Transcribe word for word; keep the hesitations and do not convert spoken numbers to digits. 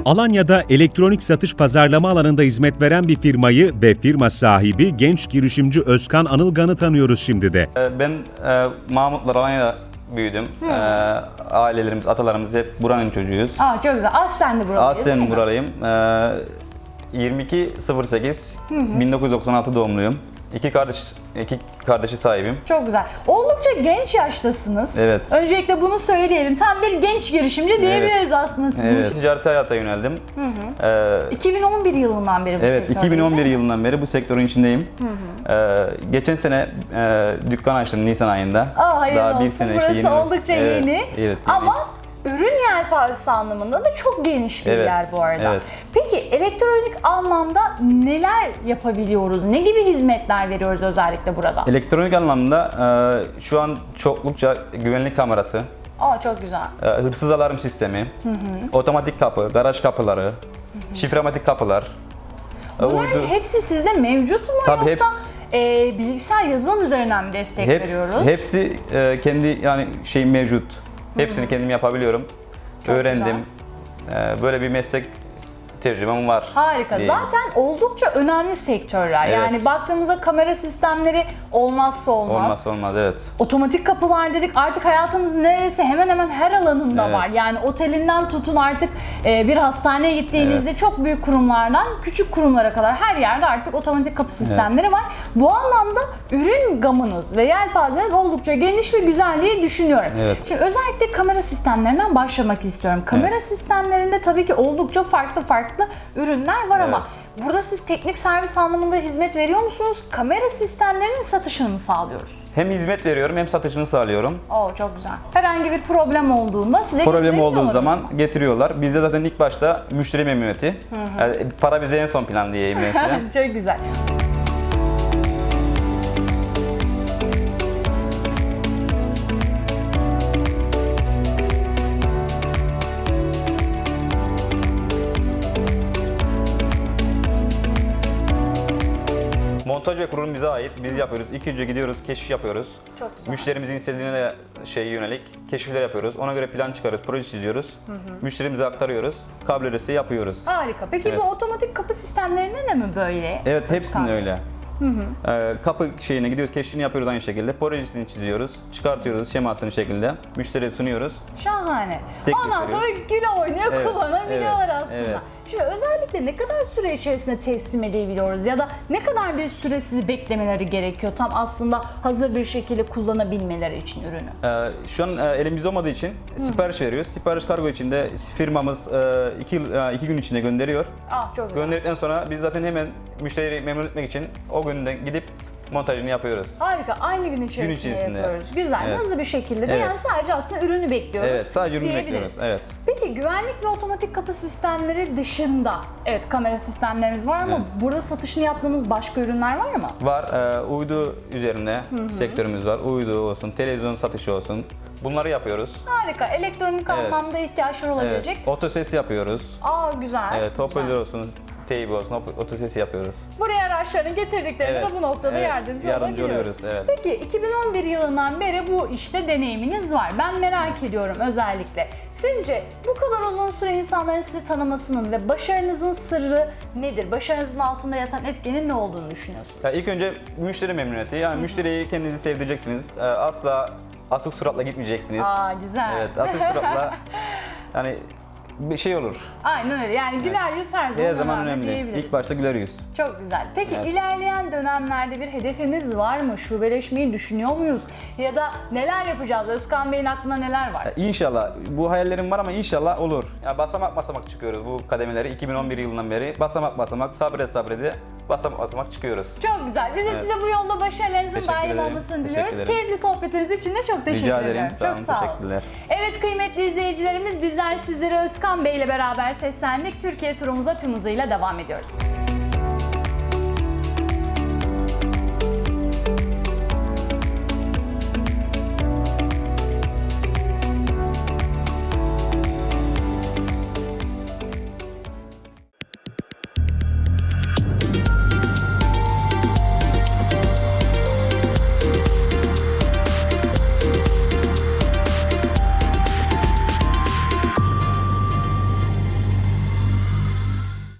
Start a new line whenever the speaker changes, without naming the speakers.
Alanya'da elektronik satış pazarlama alanında hizmet veren bir firmayı ve firma sahibi genç girişimci Özkan Anılgan'ı tanıyoruz şimdi de.
Ben e, Mahmutlar Alanya'da büyüdüm. E, ailelerimiz, atalarımız hep buranın çocuğuyuz.
Aa çok güzel. Aslen de buralıyız.
Aslen buralıyım. E, yirmi iki sıfır sekiz bin dokuz yüz doksan altı doğumluyum. İki kardeş, iki kardeşi sahibim.
Çok güzel. Oldukça genç yaştasınız.
Evet.
Öncelikle bunu söyleyelim. Tam bir genç girişimci diyebiliriz evet. aslında sizin
evet.
için.
Ticarete hayata yöneldim. Hı hı. Ee,
iki bin on bir yılından beri bu
evet,
sektördeyiz.
iki bin on bir yılından beri bu sektörün içindeyim. Hı hı. Ee, geçen sene e, dükkan açtım Nisan ayında.
Aa, hayırlı
Daha
olsun.
bir sene
Burası
işte yeni,
oldukça
evet,
yeni.
Evet,
Ama ürün yelpazesi anlamında da çok geniş bir
evet,
yer bu arada.
Evet.
Peki elektronik anlamda neler yapabiliyoruz? Ne gibi hizmetler veriyoruz özellikle burada?
Elektronik anlamda e, şu an çoklukça güvenlik kamerası,
Aa çok güzel.
e, hırsız alarm sistemi, hı hı. otomatik kapı, garaj kapıları, hı hı. şifrematik kapılar.
Bunların
uydu...
hepsi sizde mevcut mu
Tabii
yoksa
hepsi...
e, bilgisayar yazılım üzerinden mi destek
Hepsi,
veriyoruz?
hepsi e, kendi yani şey mevcut. Hepsini Hı-hı. kendim yapabiliyorum. Çok öğrendim. E, böyle bir meslek tecrübem var.
Harika.
diyeyim.
Zaten oldukça önemli sektörler.
Evet.
Yani baktığımızda kamera sistemleri olmazsa olmaz.
Olmazsa olmaz, evet.
Otomatik kapılar dedik. Artık hayatımızın neredeyse hemen hemen her alanında
evet.
var. Yani otelinden tutun artık e, bir hastaneye gittiğinizde evet. çok büyük kurumlardan küçük kurumlara kadar her yerde artık otomatik kapı sistemleri evet. var. Bu anlamda ürün gamınız ve yelpazeniz oldukça geniş ve güzel diye düşünüyorum.
Evet.
Şimdi özellikle kamera sistemlerinden başlamak istiyorum. Kamera evet. sistemlerinde tabii ki oldukça farklı farklı ürünler var evet. ama burada siz teknik servis anlamında hizmet veriyor musunuz? Kamera sistemlerinin satışını mı sağlıyoruz?
Hem hizmet veriyorum hem satışını sağlıyorum.
Oo çok güzel. Herhangi bir problem olduğunda size
problem olduğu zaman
mı?
getiriyorlar. Bizde zaten ilk başta müşteri memnuniyeti. Hı hı. Yani para bize en son plan diyeyim mesela.
Çok güzel.
Montaj ve kurulum bize ait. Biz yapıyoruz. İlk önce gidiyoruz, keşif yapıyoruz.
Çok güzel.
Müşterimizin istediğine de şey yönelik keşifler yapıyoruz. Ona göre plan çıkarıyoruz, proje çiziyoruz. Hı hı. Müşterimize aktarıyoruz. Kablo ödesi yapıyoruz.
Harika. Peki evet. bu otomatik kapı sistemlerinde de mi böyle?
Evet, hepsinde öyle. Hı hı. Ee, kapı şeyine gidiyoruz, keşfini yapıyoruz aynı şekilde. Projesini çiziyoruz, çıkartıyoruz şemasını şekilde. Müşteriye sunuyoruz.
Şahane.
Teklif
Ondan sonra güle oynuyor evet. kullanabiliyorlar evet. aslında. Evet. Şimdi özellikle ne kadar süre içerisinde teslim edebiliyoruz ya da ne kadar bir süre sizi beklemeleri gerekiyor tam aslında hazır bir şekilde kullanabilmeleri için ürünü?
Ee, şu an e, elimizde olmadığı için Hı. sipariş veriyoruz. Sipariş kargo içinde firmamız e, iki, e, iki gün içinde gönderiyor.
Ah, çok güzel.
Gönderdikten sonra biz zaten hemen müşteriyi memnun etmek için o günden gidip montajını yapıyoruz.
Harika. Aynı gün içerisinde, gün içerisinde. yapıyoruz. Güzel. Evet. Hızlı bir şekilde de evet. yani sadece aslında ürünü bekliyoruz.
Evet, sadece ürünü bekliyoruz. Evet.
Peki güvenlik ve otomatik kapı sistemleri dışında, evet kamera sistemlerimiz var ama evet. burada satışını yaptığımız başka ürünler var mı?
Var. E, uydu üzerine hı hı. sektörümüz var. Uydu olsun, televizyon satışı olsun. Bunları yapıyoruz.
Harika. Elektronik evet. anlamda ihtiyaçlar olabilecek.
Evet. Otoses yapıyoruz.
Aa güzel.
Evet, hoparlör olsun. Teybi olsun, otosesi yapıyoruz.
Buraya araçlarını getirdiklerinde evet, de bu noktada evet, yardımcı,
yardımcı
olabiliyoruz.
Evet.
Peki iki bin on bir yılından beri bu işte deneyiminiz var. Ben merak ediyorum özellikle. Sizce bu kadar uzun süre insanların sizi tanımasının ve başarınızın sırrı nedir? Başarınızın altında yatan etkenin ne olduğunu düşünüyorsunuz?
Ya ilk önce müşteri memnuniyeti. Yani Hı-hı. müşteriyi kendinizi sevdireceksiniz. Asla asık suratla gitmeyeceksiniz.
Aa güzel.
Evet, asık suratla yani bir şey olur.
Aynen öyle. Yani güler evet. yüz her zaman,
her zaman önemli. önemli. İlk başta güler yüz.
Çok güzel. Peki evet. ilerleyen dönemlerde bir hedefimiz var mı? Şubeleşmeyi düşünüyor muyuz? Ya da neler yapacağız? Özkan Bey'in aklında neler var?
Ya inşallah. Bu hayallerim var ama inşallah olur. Ya basamak basamak çıkıyoruz bu kademeleri. iki bin on bir yılından beri basamak basamak sabrede sabrede basamak basamak çıkıyoruz.
Çok güzel. Biz de evet. size bu yolda başarılarınızın daim olmasını diliyoruz. Keyifli sohbetiniz için de çok teşekkür
Rica ederim.
ederim.
Sağ
çok
olun,
sağ olun.
Teşekkürler.
Evet kıymetli izleyicilerimiz bizler sizlere Özkan Bey ile beraber seslendik. Türkiye turumuza tüm hızıyla devam ediyoruz.